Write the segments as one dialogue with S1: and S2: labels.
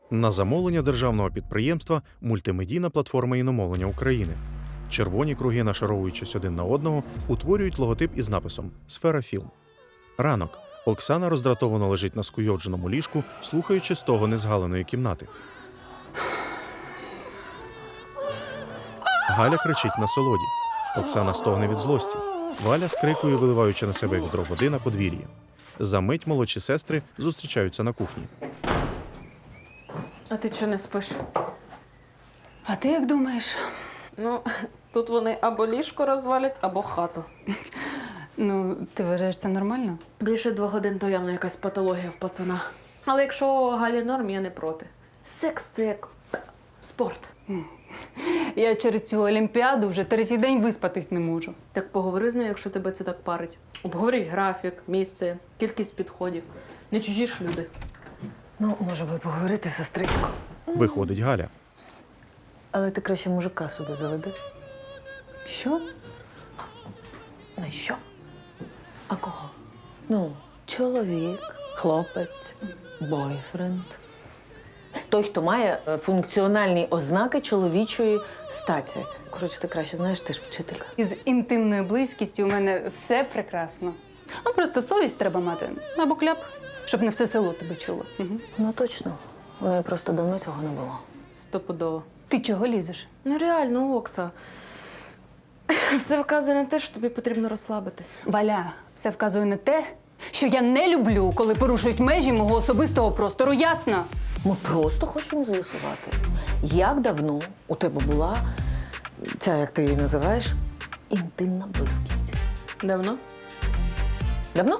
S1: На замовлення державного підприємства «Мультимедійна платформа іномовлення України». Червоні круги, нашаровуючись один на одного, утворюють логотип із написом «Сфера Філм». Ранок. Оксана роздратовано лежить на скуйовдженому ліжку, слухаючи стогони незгаленої кімнати. Галя кричить на солоді. Оксана стогне від злості. Валя скрикує, виливаючи на себе відро води на подвір'ї. Замить молодші сестри зустрічаються на кухні.
S2: А ти чого не спиш?
S3: А ти як думаєш?
S2: Ну, тут вони або ліжко розвалять, або хату.
S3: Ну, ти вважаєш це нормально?
S2: Більше 2 годин то явно якась патологія в пацана. Але якщо Галі норм, я не проти. Секс – це як спорт.
S3: Я через цю олімпіаду вже 3-й день виспатись не можу.
S2: Так поговори з нею, якщо тебе це так парить. Обговоріть графік, місце, кількість підходів. Не чужі ж люди.
S4: Ну, може би поговорити, сестричко.
S1: Виходить Галя.
S4: Але ти краще мужика собі заведи.
S3: Що?
S4: На що? А кого? Ну, чоловік, хлопець, бойфренд. Той, хто має функціональні ознаки чоловічої статі. Коротше, ти краще знаєш, ти ж вчителька.
S3: Із інтимною близькістю у мене все прекрасно. А просто совість треба мати або кляп, щоб не все село тебе чуло. Угу.
S4: Ну, точно. У неї просто давно цього не було.
S2: Стопудово.
S3: Ти чого лізеш?
S2: Ну реально, Окса. Все вказує на те, що тобі потрібно розслабитись.
S3: Валя, все вказує на те, що я не люблю, коли порушують межі мого особистого простору, ясно?
S4: Ми просто хочемо з'ясувати, як давно у тебе була ця, як ти її називаєш, інтимна близькість.
S2: Давно?
S4: Давно?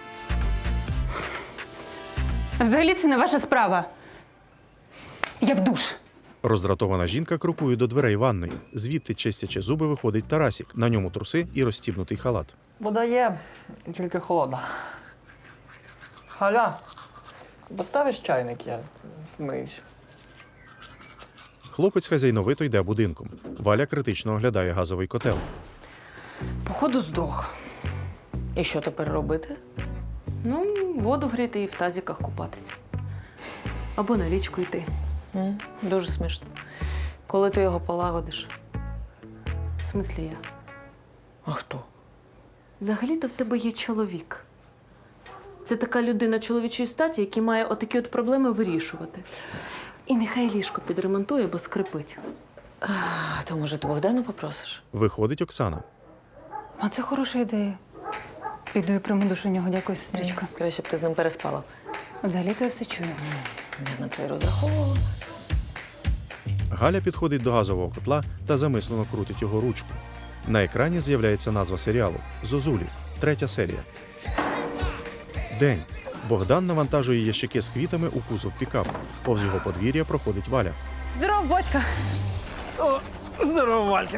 S3: Взагалі це не ваша справа. Я в душ.
S1: Роздратована жінка крокує до дверей ванної. Звідти, чистячи зуби, виходить Тарасік. На ньому труси і розстібнутий халат.
S5: Вода є, тільки холодна. Галя, поставиш чайник, я змиюсь.
S1: Хлопець хазяйновито йде будинком. Валя критично оглядає газовий котел.
S2: Походу здох.
S4: І що тепер робити?
S2: Ну, воду гріти і в тазіках купатися. Або на річку йти.
S4: Дуже смішно. Коли ти його полагодиш?
S2: В смислі я.
S4: А хто?
S2: Взагалі-то в тебе є чоловік. Це така людина чоловічої статі, який має отакі от проблеми вирішувати. І нехай ліжко підремонтує, бо скрипить.
S4: А то, може, ти Богдана попросиш?
S1: Виходить Оксана.
S3: А це хороша ідея. Піду і прийму душу у нього, дякую, сестричко.
S4: Краще б ти з ним переспала.
S3: Взагалі-то я все чую.
S4: Я на це й розраховувала.
S1: Галя підходить до газового котла та замислено крутить його ручку. На екрані з'являється назва серіалу «Зозулі», 3 серія. День. Богдан навантажує ящики з квітами у кузов пікапу. Повз його подвір'я проходить Валя.
S3: Здоров, батька!
S5: Здорово, Валькін.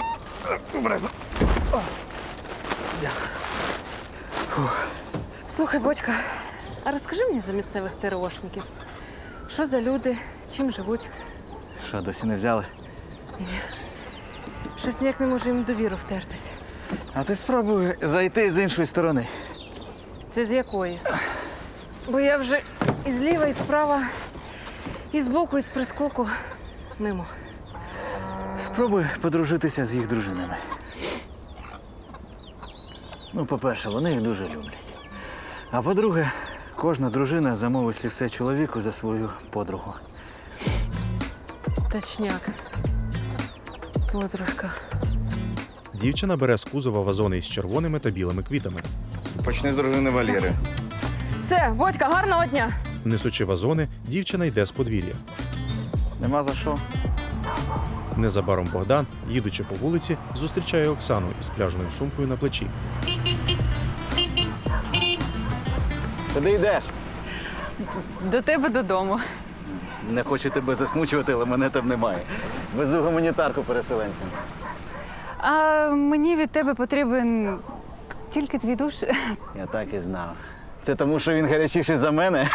S2: Слухай, Бодька, а розкажи мені за місцевих ТРОшників. Що за люди, чим живуть?
S6: Що, досі не взяли?
S2: Щось ніяк не можу їм довіру втертися.
S6: А ти спробуй зайти з іншої сторони.
S2: Це з якої? Бо я вже і зліва, і справа, і збоку, і з прискоку мимо.
S6: Спробуй подружитися з їх дружинами. Ну, по-перше, вони їх дуже люблять. А по-друге, кожна дружина замовить слівце чоловіку за свою подругу.
S2: Точняк. Подружка.
S1: Дівчина бере з кузова вазони із червоними та білими квітами.
S7: Почни з дружини Валєри.
S2: Все, Бодька, гарного дня!
S1: Несучи вазони, дівчина йде з подвір'я.
S6: Нема за що.
S1: Незабаром Богдан, їдучи по вулиці, зустрічає Оксану із пляжною сумкою на плечі.
S6: Куди йдеш?
S3: До тебе додому.
S6: Не хочу тебе засмучувати, але мене там немає. Везу гуманітарку переселенцям.
S3: А мені від тебе потрібен тільки твій душ.
S6: Я так і знав. Це тому, що він гарячіший за мене?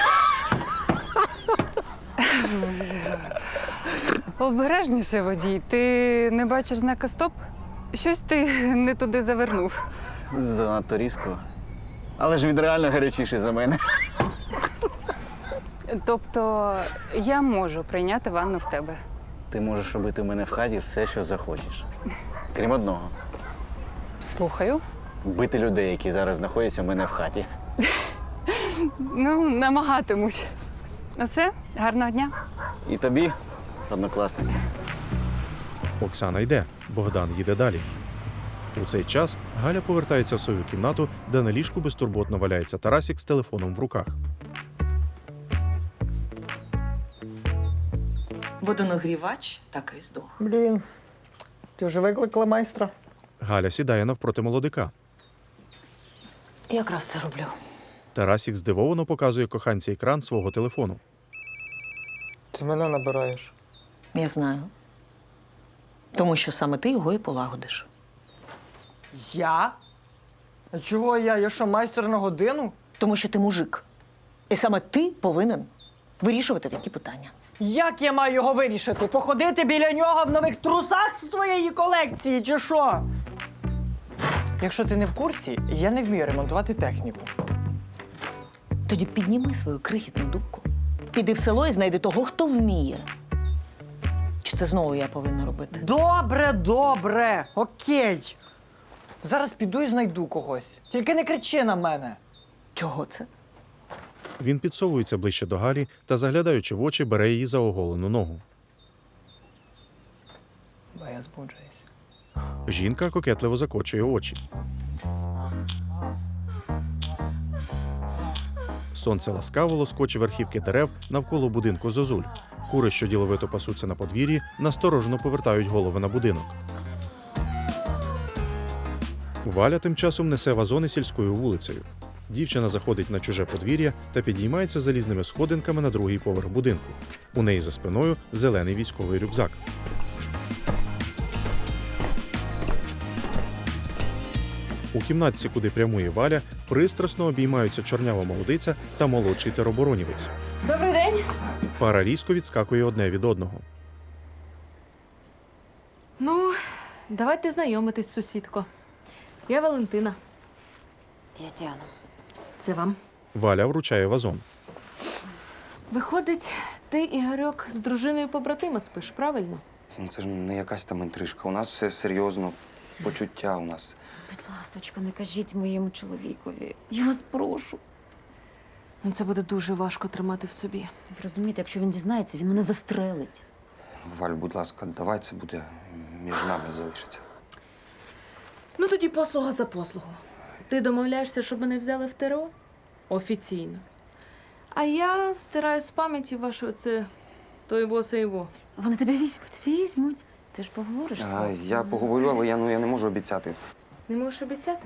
S3: Обережніше, водій. Ти не бачиш знака «Стоп»? Щось ти не туди завернув.
S6: Занадто різко. Але ж він реально гарячіший за мене.
S3: Тобто я можу прийняти ванну в тебе.
S6: Ти можеш робити в мене в хаті все, що захочеш. Крім одного.
S3: Слухаю.
S6: Бити людей, які зараз знаходяться у мене в хаті.
S3: Ну, намагатимусь. Ну все, гарного дня.
S6: І тобі, однокласниця.
S1: Оксана йде, Богдан їде далі. У цей час Галя повертається в свою кімнату, де на ліжку безтурботно валяється Тарасік з телефоном в руках.
S4: Водонагрівач так і здох.
S5: Блін, ти вже викликала майстра?
S1: Галя сідає навпроти молодика.
S4: Якраз це роблю.
S1: Тарасік здивовано показує коханці екран свого телефону.
S5: Ти мене набираєш.
S4: Я знаю. Тому що саме ти його і полагодиш.
S5: Я? А чого я? Я що, майстер на годину?
S4: Тому що ти мужик. І саме ти повинен вирішувати такі питання.
S5: Як я маю його вирішити? Походити біля нього в нових трусах з твоєї колекції, чи що? Якщо ти не в курсі, я не вмію ремонтувати техніку.
S4: Тоді підніми свою крихітну дубку, піди в село і знайди того, хто вміє. Чи це знову я повинна робити?
S5: Добре, добре, окей. Зараз піду і знайду когось. Тільки не кричи на мене.
S4: Чого це?
S1: Він підсовується ближче до Галі та, заглядаючи в очі, бере її за оголену ногу.
S5: Бо я збуджуюсь.
S1: Жінка кокетливо закочує очі. Сонце ласкаво лоскоче верхівки дерев навколо будинку зозуль. Кури, що діловито пасуться на подвір'ї, насторожено повертають голови на будинок. Валя тим часом несе вазони сільською вулицею. Дівчина заходить на чуже подвір'я та підіймається залізними сходинками на другий поверх будинку. У неї за спиною зелений військовий рюкзак. У кімнатці, куди прямує Валя, пристрасно обіймаються чорнява молодиця та молодший тероборонівець.
S2: Добрий день.
S1: Пара різко відскакує одне від одного.
S2: Ну, давайте знайомитись, сусідко. Я Валентина.
S8: Я Діана.
S2: Це вам.
S1: Валя вручає вазон.
S2: Виходить, ти, Ігорьок, з дружиною побратима спиш, правильно?
S7: Ну, це ж не якась там інтрижка. У нас все серйозно, почуття у нас.
S8: Будь ласочка, не кажіть моєму чоловікові. Я вас прошу.
S2: Ну, це буде дуже важко тримати в собі.
S8: Ви розумієте, якщо він дізнається, він мене застрелить.
S7: Валь, будь ласка, давай це буде між нами залишиться.
S2: Ну, тоді послуга за послугу. Ти домовляєшся, щоб мене взяли в ТРО? Офіційно. А я стираю з пам'яті ваше оце то його, се його.
S8: Вони тебе візьмуть. Ти ж поговориш з
S7: А,
S8: хлопцем.
S7: я поговорю, але я не можу обіцяти.
S2: Не можеш обіцяти?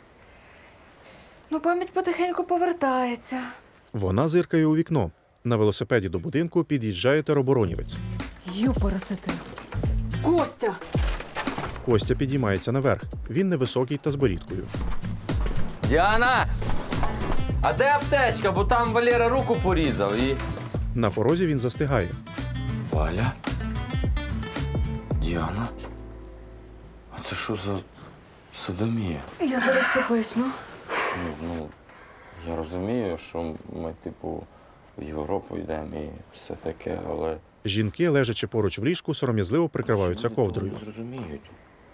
S2: Ну, пам'ять потихеньку повертається.
S1: Вона зиркає у вікно. На велосипеді до будинку під'їжджає тероборонівець.
S2: Юпоросити. Костя!
S1: Костя підіймається наверх. Він невисокий та з борідкою.
S9: Діана! А де аптечка? Бо там Валера руку порізав і.
S1: На порозі він застигає.
S9: Валя? Діана? А це що за садомія?
S2: Я зараз все поясню.
S9: Ну, я розумію, що ми, типу, в Європу йдемо і все таке, але.
S1: Жінки, лежачи поруч в ліжку, сором'язливо прикриваються ковдрою.
S9: Не зрозуміють.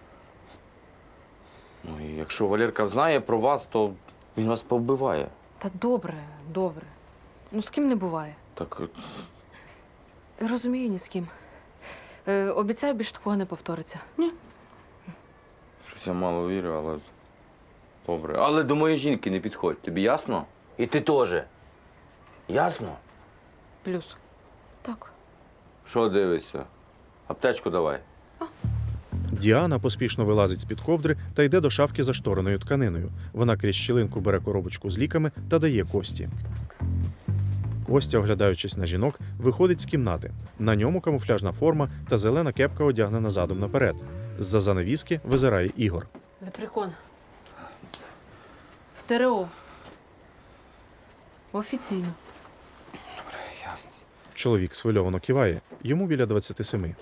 S9: Ну, і якщо Валерка знає про вас, то він вас повбиває.
S2: Та добре, добре. Ну, з ким не буває.
S9: Так
S2: Розумію, ні з ким. Обіцяю, більше такого не повториться.
S9: щось я мало вірю, але добре. Але до моєї жінки не підходь, тобі ясно? І ти теж. Ясно?
S2: Плюс. Так.
S9: Що дивишся? Аптечку давай.
S1: Діана поспішно вилазить з-під ковдри та йде до шафки заштореною тканиною. Вона крізь щілинку бере коробочку з ліками та дає Кості. Костя, оглядаючись на жінок, виходить з кімнати. На ньому камуфляжна форма та зелена кепка одягнена задом наперед. З-за занавіски визирає Ігор.
S2: Лепрекон. В ТРО. Офіційно.
S1: Чоловік схвильовано киває. Йому біля 27.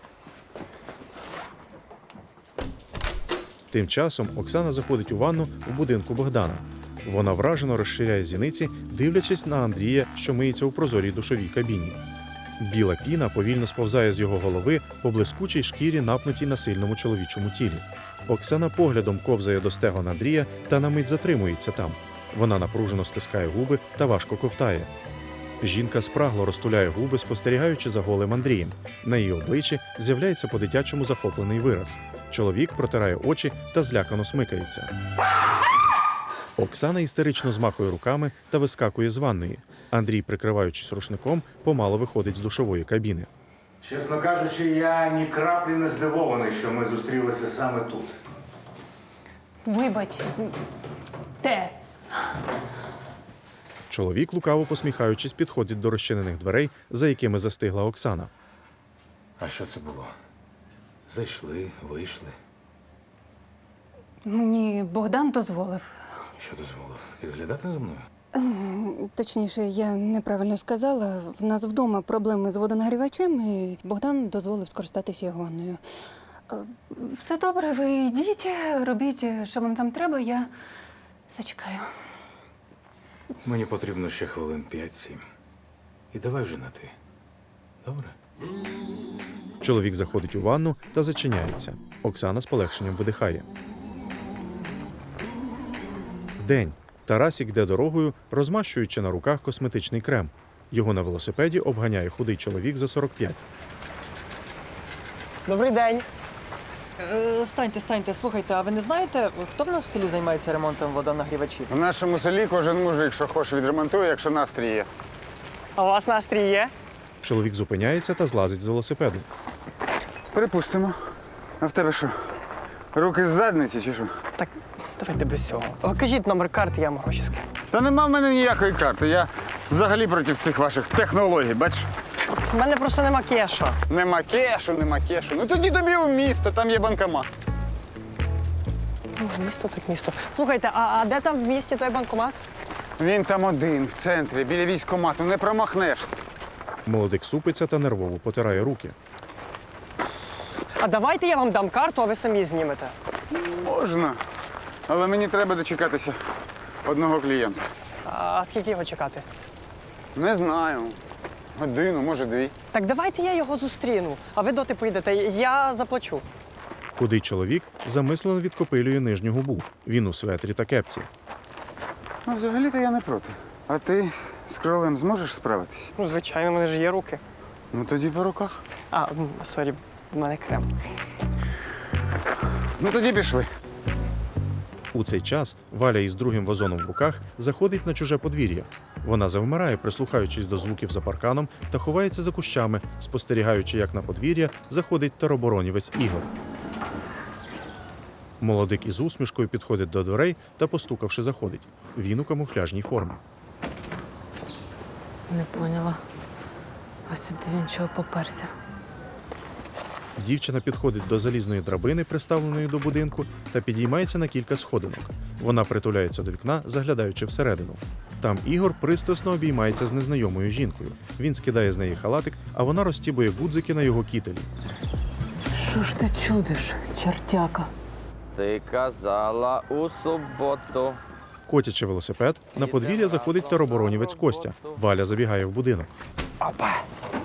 S1: Тим часом Оксана заходить у ванну у будинку Богдана. Вона вражено розширяє зіниці, дивлячись на Андрія, що миється у прозорій душовій кабіні. Біла піна повільно сповзає з його голови по блискучій шкірі, напнутій на сильному чоловічому тілі. Оксана поглядом ковзає до стегон Андрія та на мить затримується там. Вона напружено стискає губи та важко ковтає. Жінка спрагло розтуляє губи, спостерігаючи за голим Андрієм. На її обличчі з'являється по-дитячому захоплений вираз. Чоловік протирає очі та злякано смикається. Оксана істерично змахує руками та вискакує з ванної. Андрій, прикриваючись рушником, помало виходить з душової кабіни.
S10: Чесно кажучи, я ні краплі не здивований, що ми зустрілися саме тут.
S3: Вибач, те.
S1: Чоловік, лукаво посміхаючись, підходить до розчинених дверей, за якими застигла Оксана.
S10: А що це було? Зайшли, вийшли.
S3: Мені Богдан дозволив.
S10: Що дозволив? Підглядати за мною?
S3: Точніше, я неправильно сказала. В нас вдома проблеми з водонагрівачем, і Богдан дозволив скористатися його ванною. Все добре, ви йдіть, робіть, що вам там треба, я зачекаю.
S10: Мені потрібно ще хвилин 5-7. І давай вже на ти. Добре?
S1: Чоловік заходить у ванну та зачиняється. Оксана з полегшенням видихає. День. Тарасік йде дорогою, розмащуючи на руках косметичний крем. Його на велосипеді обганяє худий чоловік за 45.
S5: Добрий день. Станьте. Слухайте, а ви не знаєте, хто в нас в селі займається ремонтом водонагрівачів?
S11: В нашому селі кожен мужик, що хоче, відремонтує, якщо настрій є.
S5: А у вас настрій є?
S1: Чоловік зупиняється та злазить з велосипеду.
S11: Припустимо. А в тебе що? Руки з задниці чи що?
S5: Так, давайте без цього. Кажіть номер карти, я вам гроші скину.
S11: Та нема в мене ніякої карти. Я взагалі проти цих ваших технологій, бачиш?
S5: У мене просто нема кеша.
S11: Нема кешу. Ну тоді тобі в місто, там є банкомат.
S5: Місто так місто. Слухайте, а де там в місті той банкомат?
S11: Він там один, в центрі, біля військкомату, не промахнешся.
S1: Молодик супиться та нервово потирає руки.
S5: А давайте я вам дам карту, а ви самі знімете.
S11: Можна. Але мені треба дочекатися одного клієнта.
S5: А скільки його чекати?
S11: Не знаю. Годину, може, 2.
S5: Так давайте я його зустріну, а ви доти поїдете, я заплачу.
S1: Худий чоловік замислено відкопилює нижню губу. Він у светрі та кепці.
S11: Ну, взагалі-то я не проти. А ти з кролем зможеш справитись?
S5: Ну, звичайно, в мене ж є руки.
S11: Ну тоді по руках.
S5: Сорі, в мене крем.
S11: Ну тоді пішли.
S1: У цей час Валя із другим вазоном в руках заходить на чуже подвір'я. Вона завмирає, прислухаючись до звуків за парканом та ховається за кущами, спостерігаючи, як на подвір'я заходить тероборонівець Ігор. Молодик із усмішкою підходить до дверей та, постукавши, заходить. Він у камуфляжній формі.
S2: Не поняла. А сюди він чого поперся?
S1: Дівчина підходить до залізної драбини, приставленої до будинку, та підіймається на кілька сходинок. Вона притуляється до вікна, заглядаючи всередину. Там Ігор пристрасно обіймається з незнайомою жінкою. Він скидає з неї халатик, а вона розтібує гудзики на його кітелі.
S2: Що ж ти чудиш, чертяка?
S9: Ти казала у суботу.
S1: Котячи велосипед, на подвір'я заходить тероборонівець Костя. Валя забігає в будинок.
S9: Опа.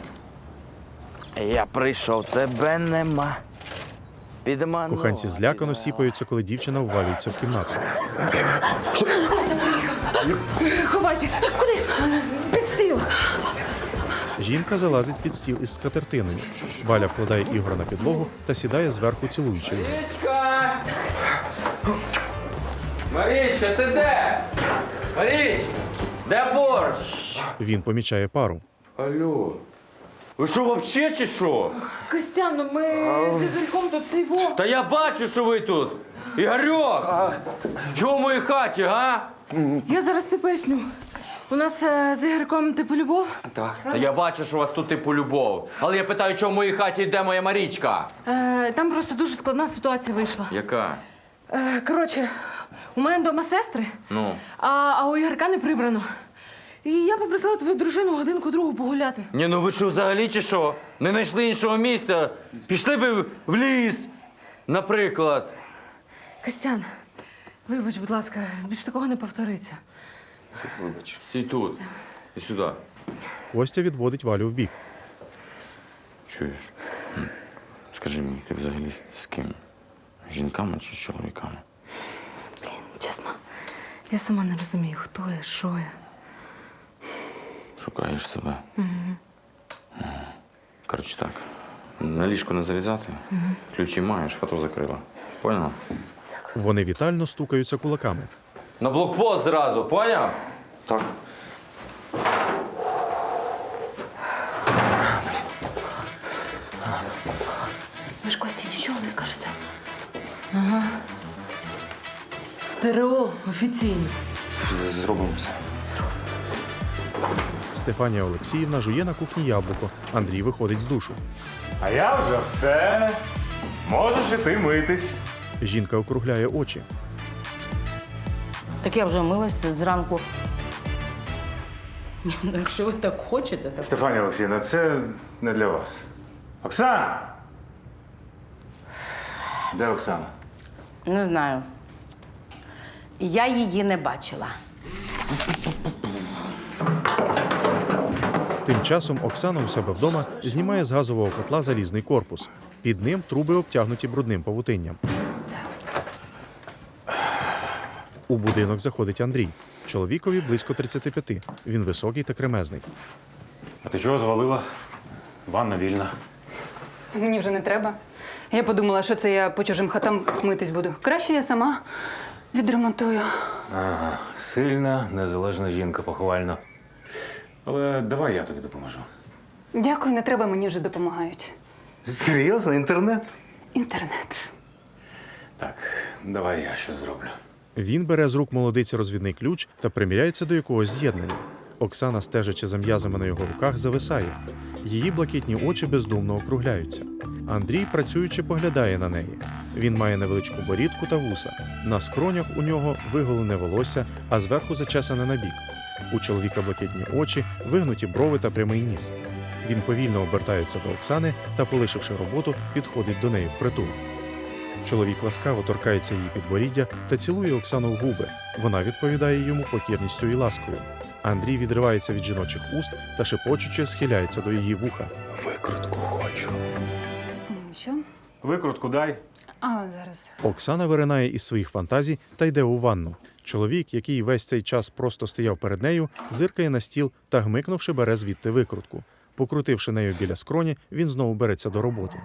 S9: Я прийшов, тебе нема. Підманула.
S1: Коханці злякано сіпаються, коли дівчина ввалюється в кімнату.
S2: Ховайтесь! Куди? Під стіл!
S1: Жінка залазить під стіл із скатертиною. Валя вкладає Ігора на підлогу та сідає зверху, цілуючи його.
S9: Марічка! Марічка, ти де? Маріч! Де борщ?
S1: Він помічає пару.
S9: Алло. Ви що, вообще чи що?
S2: Костян, ну ми з Ігорьком тут цейво.
S9: Та я бачу, що ви тут. Ігорьок! Чого в моїй хаті, га?
S2: Я зараз все поясню. У нас з Ігорьком типу любов.
S7: Так.
S9: Та я бачу, що у вас тут типу любов. Але я питаю, чого в моїй хаті йде моя Марічка?
S2: Там просто дуже складна ситуація вийшла.
S9: Яка?
S2: Коротше, у мене вдома сестри,
S9: Ну.
S2: а у Ігорка не прибрано. І я попросила твою дружину годинку-другу погуляти.
S9: Ні, ну ви що, взагалі чи що? Не знайшли іншого місця? Пішли би в ліс, наприклад.
S2: Костян, Вибач, будь ласка, більш такого не повториться.
S7: Вибач.
S9: Стій тут. І сюди.
S1: Костя відводить Валю вбік.
S9: Чуєш? Скажи мені, ти взагалі з ким? Жінками чи з чоловіками?
S2: Блін, чесно, я сама не розумію, хто я, що я.
S9: Шукаєш себе. Коротше так. На ліжко не залізати. Ключі маєш, хату закрила. Поняла?
S1: Вони вітально стукаються кулаками.
S9: На блокпост зразу, поняв?
S7: Так.
S2: Ви ж Кості нічого не скажете? Ага. В ТРО офіційно.
S7: Зробимо все.
S1: Стефанія Олексіївна жує на кухні яблуко. Андрій виходить з душу.
S10: А я вже все. Можеш іти митись.
S1: Жінка округляє очі.
S12: Так я вже милася зранку. Ну, якщо ви так хочете, так.
S10: Стефанія Олексіївна, це не для вас. Оксана! Де Оксана?
S12: Не знаю. Я її не бачила.
S1: Тим часом Оксана у себе вдома знімає з газового котла залізний корпус. Під ним труби обтягнуті брудним павутинням. У будинок заходить Андрій. Чоловікові близько 35. Він високий та кремезний.
S10: А ти чого звалила? Ванна вільна.
S3: Мені вже не треба. Я подумала, що це я по чужим хатам митись буду. Краще я сама відремонтую.
S10: Ага, сильна, незалежна жінка, похвально. Але давай я тобі допоможу.
S3: Дякую, не треба, мені вже допомагають.
S10: Серйозно? Інтернет?
S3: Інтернет.
S10: Так, давай я щось зроблю.
S1: Він бере з рук молодиці розвідний ключ та приміряється до якогось з'єднання. Оксана, стежачи за м'язами на його руках, зависає. Її блакитні очі бездумно округляються. Андрій, працюючи, поглядає на неї. Він має невеличку борідку та вуса. На скронях у нього виголене волосся, а зверху зачесане на бік. У чоловіка блакитні очі, вигнуті брови та прямий ніс. Він повільно обертається до Оксани та, полишивши роботу, підходить до неї впритул. Чоловік ласкаво торкається її підборіддя та цілує Оксану в губи. Вона відповідає йому покірністю і ласкою. Андрій відривається від жіночих уст та шепочучи схиляється до її вуха.
S10: Викрутку хочу.
S3: Що?
S10: Викрутку дай.
S3: А, зараз.
S1: Оксана виринає із своїх фантазій та йде у ванну. Чоловік, який весь цей час просто стояв перед нею, зиркає на стіл та, гмикнувши, бере звідти викрутку. Покрутивши нею біля скроні, він знову береться до роботи.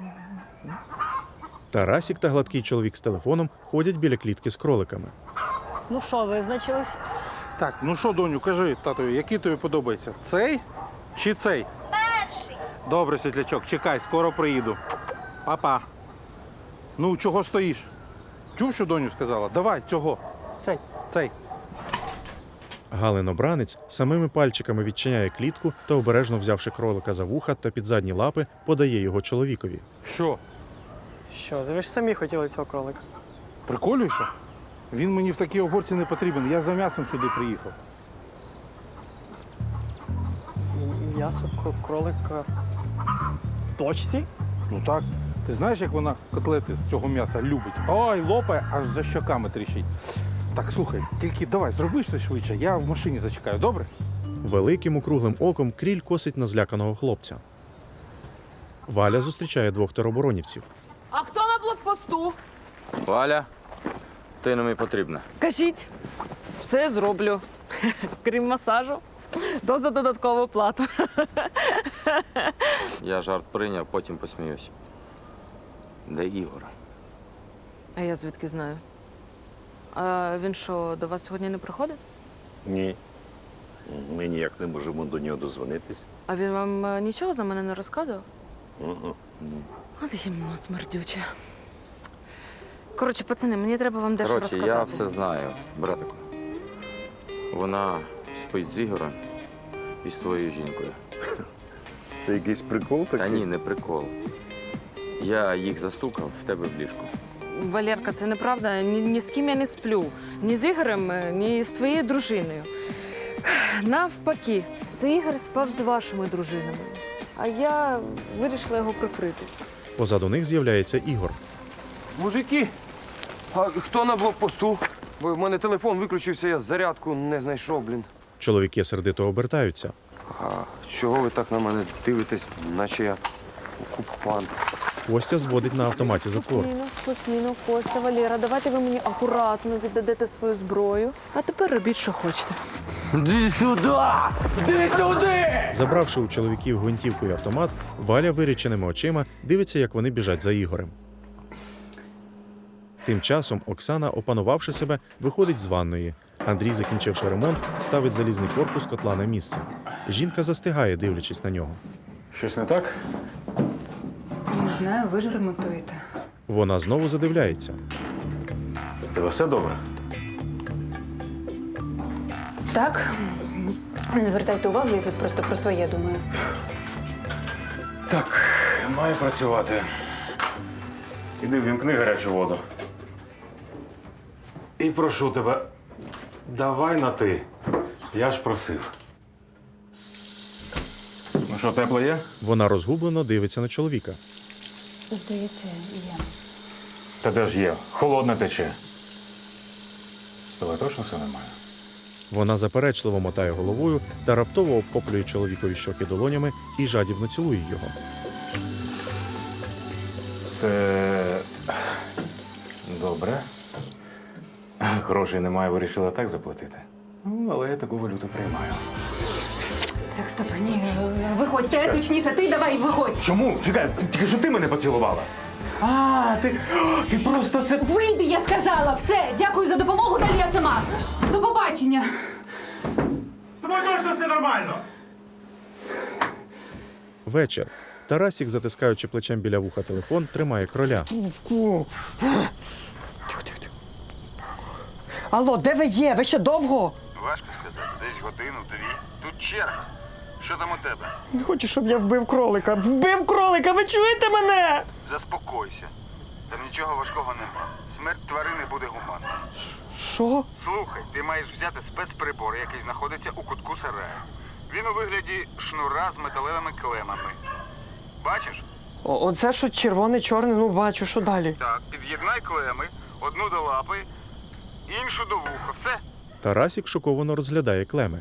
S1: Тарасік та гладкий чоловік з телефоном ходять біля клітки з кроликами.
S5: Ну що, визначились?
S13: Так, ну що, доню, кажи татові, який тобі подобається? Цей чи цей?
S14: Перший.
S13: Добре, світлячок, чекай, скоро приїду. Папа. Ну, чого стоїш? Чув, що доню сказала? Давай, цього.
S5: Цей.
S13: Цей.
S1: Галин обранець самими пальчиками відчиняє клітку та, обережно взявши кролика за вуха та під задні лапи, подає його чоловікові.
S13: Що?
S5: Що, ви ж самі хотіли цього кролика?
S13: Приколюєшся? Він мені в такій оборці не потрібен. Я за м'ясом сюди приїхав.
S5: М'ясо кролика в точці?
S13: Ну так. Ти знаєш, як вона котлети з цього м'яса любить? Ой, лопає, аж за щоками тріщить. Так, слухай, тільки давай, зроби все швидше, я в машині зачекаю, добре?
S1: Великим округлим оком Кріль косить на зляканого хлопця. Валя зустрічає двох тероборонівців.
S2: А хто на блокпосту?
S9: Валя, ти нам і потрібна.
S2: Кажіть, все зроблю. Крім масажу, то за додаткову плату.
S9: Я жарт прийняв, потім посміюсь. Де Ігор?
S2: А я звідки знаю? А він що, до вас сьогодні не приходить?
S15: Ні. Ми ніяк не можемо до нього дозвонитись.
S2: А він вам нічого за мене не розказував?
S15: Угу.
S2: От їм смердюче. Коротше, пацани, мені треба вам дещо
S9: Коротше,
S2: розказати.
S9: я все знаю, братику. Вона спить з Ігорем і з твоєю жінкою.
S15: Це якийсь прикол такий?
S9: Та ні, не прикол. Я їх застукав в тебе в ліжку.
S2: Валерка, це неправда. Ні з ким я не сплю. Ні з Ігорем, ні з твоєю дружиною. Навпаки, це Ігор спав з вашими дружинами. А я вирішила його прикрити.
S1: Позаду них з'являється Ігор.
S7: Мужики, а хто на блокпосту? Бо в мене телефон виключився, я зарядку не знайшов, блін.
S1: Чоловіки сердито обертаються.
S7: А чого ви так на мене дивитесь, наче я окупант?
S1: Костя зводить на автоматі затвор.
S2: Спокійно, Костя, Валера, давайте ви мені акуратно віддадете свою зброю. А тепер робіть, що хочете.
S9: Іди сюди! Іди сюди!
S1: Забравши у чоловіків гвинтівку і автомат, Валя виріченими очима дивиться, як вони біжать за Ігорем. Тим часом Оксана, опанувавши себе, виходить з ванної. Андрій, закінчивши ремонт, ставить залізний корпус котла на місце. Жінка застигає, дивлячись на нього.
S10: Щось не так?
S3: Не знаю, ви ж ремонтуєте.
S1: Вона знову задивляється.
S10: У тебе все добре?
S3: Так, не звертайте увагу, я тут просто про своє думаю.
S10: Так, маю працювати. Іди ввімкни гарячу воду. І прошу тебе, давай на ти. Я ж просив. Ну що, тепло є?
S1: Вона розгублено дивиться на чоловіка.
S3: Здається, я.
S10: Та де ж є? Холодне тече. З тобою точно все нормально?
S1: Вона заперечливо мотає головою та раптово обхоплює чоловікові щоки долонями і жадібно цілує його.
S10: Це добре. Грошей немає, вирішила так заплатити. Ну, але я таку валюту приймаю.
S3: Так, стоп, ні, виходьте, точніше, ти давай виходь.
S10: Чому? Чекай, тільки що ти мене поцілувала. А, ти просто це...
S3: Вийди, я сказала, все, дякую за допомогу, далі я сама. До побачення.
S10: З тобою точно все нормально.
S1: Вечір. Тарасік, затискаючи плечем біля вуха телефон, тримає кроля.
S5: Алло, де ви є? Ви ще довго?
S11: Важко сказати, десь годину-дві. Тут черга. Що там у тебе?
S5: Не хочу, щоб я вбив кролика. Вбив кролика! Ви чуєте мене?
S11: Заспокойся. Там нічого важкого нема. Смерть тварини буде гуманна.
S5: Що?
S11: Слухай, ти маєш взяти спецприбор, який знаходиться у кутку сараю. Він у вигляді шнура з металевими клемами. Бачиш?
S5: Оце що червоне-чорне, ну бачу, що далі?
S11: Так, під'єднай клеми, одну до лапи, іншу до вуха. Все?
S1: Тарасік шоковано розглядає клеми.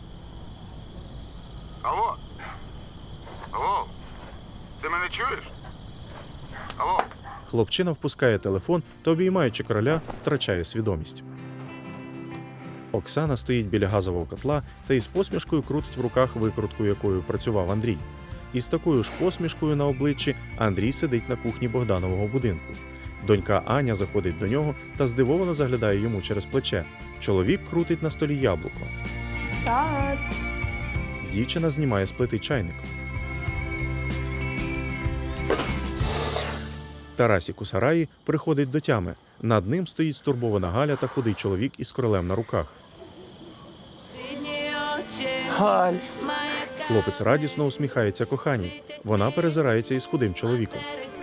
S11: Алло? Алло? Ти мене чуєш? Алло?
S1: Хлопчина впускає телефон та, обіймаючи кроля, втрачає свідомість. Оксана стоїть біля газового котла та із посмішкою крутить в руках викрутку, якою працював Андрій. І з такою ж посмішкою на обличчі Андрій сидить на кухні Богданового будинку. Донька Аня заходить до нього та здивовано заглядає йому через плече. Чоловік крутить на столі яблуко.
S2: Так.
S1: Дівчина знімає з плити чайник. Тарасік у сараї приходить до тями. Над ним стоїть стурбована Галя та худий чоловік із кролем на руках.
S5: Галь.
S1: Хлопець радісно усміхається коханій. Вона перезирається із худим чоловіком.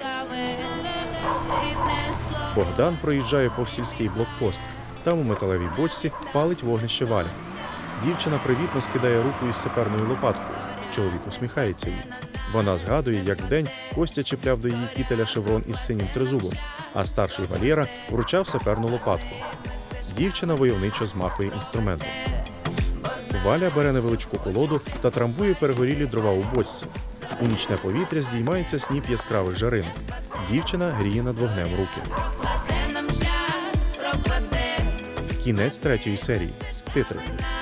S1: Богдан проїжджає повз сільський блокпост. Там у металевій бочці палить вогнище Валя. Дівчина привітно скидає руку із саперною лопаткою. Чоловік усміхається їй. Вона згадує, як вдень Костя чіпляв до її кітеля шеврон із синім тризубом, а старший Валєра вручав саперну лопатку. Дівчина войовничо змахує інструментом. Валя бере невеличку колоду та трамбує перегорілі дрова у бочці. У нічне повітря здіймається сніп яскравих жаринок. Дівчина гріє над вогнем руки. Кінець 3-ї серії. Титри.